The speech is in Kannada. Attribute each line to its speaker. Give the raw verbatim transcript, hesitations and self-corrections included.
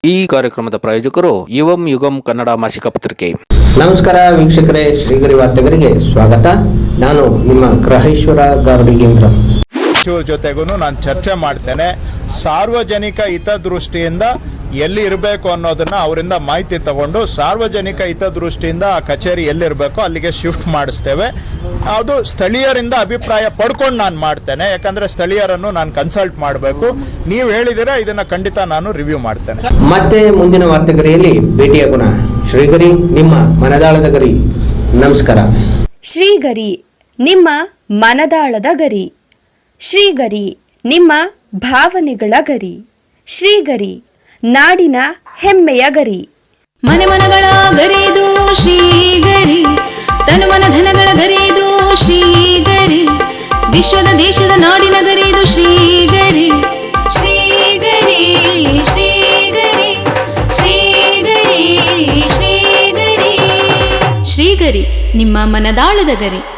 Speaker 1: ಈ ಕಾರ್ಯಕ್ರಮದ ಪ್ರಾಯೋಜಕರು ಯುವಂ ಯುಗಂ ಕನ್ನಡ ಮಾಸಿಕ ಪತ್ರಿಕೆ.
Speaker 2: ನಮಸ್ಕಾರ ವೀಕ್ಷಕರೇ, ಶ್ರೀಗರಿ ವಾರ್ತೆಗರಿಗೆ ಸ್ವಾಗತ. ನಾನು ನಿಮ್ಮ ಗ್ರಹೇಶ್ವರ ಗಾರ್ಡಿಗೇಂದ್ರ.
Speaker 3: ಜೊತೆಗೂ ನಾನು ಚರ್ಚೆ ಮಾಡ್ತೇನೆ. ಸಾರ್ವಜನಿಕ ಹಿತದೃಷ್ಟಿಯಿಂದ ಎಲ್ಲಿ ಇರಬೇಕು ಅನ್ನೋದನ್ನ ಅವರಿಂದ ಮಾಹಿತಿ ತಗೊಂಡು ಸಾರ್ವಜನಿಕ ಹಿತದೃಷ್ಟಿಯಿಂದ ಆ ಕಚೇರಿ ಎಲ್ಲಿರಬೇಕು ಅಲ್ಲಿಗೆ ಶಿಫ್ಟ್ ಮಾಡಿಸ್ತೇವೆ. ಅದು ಸ್ಥಳೀಯರಿಂದ ಅಭಿಪ್ರಾಯ ಪಡ್ಕೊಂಡು ನಾನು ಮಾಡ್ತೇನೆ, ಯಾಕಂದ್ರೆ ಸ್ಥಳೀಯರನ್ನು ನಾನು ಕನ್ಸಲ್ಟ್ ಮಾಡಬೇಕು. ನೀವು ಹೇಳಿದಿರ ಇದನ್ನ ಖಂಡಿತ ನಾನು ರಿವ್ಯೂ ಮಾಡ್ತೇನೆ.
Speaker 2: ಮತ್ತೆ ಮುಂದಿನ ವಾರ್ತೆಗರಿಯಲ್ಲಿ ಭೇಟಿಯಾಗೋಣ. ಶ್ರೀಗರಿ, ನಿಮ್ಮ ಮನದಾಳದ ಗರಿ. ನಮಸ್ಕಾರ.
Speaker 4: ಶ್ರೀಗರಿ, ನಿಮ್ಮ ಮನದಾಳದ ಗರಿ. ಶ್ರೀಗರಿ, ನಿಮ್ಮ ಭಾವನೆಗಳ ಗರಿ. ಶ್ರೀಗರಿ, ನಾಡಿನ ಹೆಮ್ಮೆಯ ಗರಿ.
Speaker 5: ಮನೆ ಮನಗಳ ಗರಿದು ಶ್ರೀಗರಿ, ತನು ಮನ ಧನಗಳ ಗರಿದು ಶ್ರೀಗರಿ, ವಿಶ್ವದ ದೇಶದ ನಾಡಿನ ಗರಿದು ಶ್ರೀಗರಿ. ಶ್ರೀಗರಿ ಶ್ರೀಗರಿ ಶ್ರೀಗರಿ ಶ್ರೀಗರಿ ಶ್ರೀಗರಿ, ನಿಮ್ಮ ಮನದಾಳದ ಗರಿ.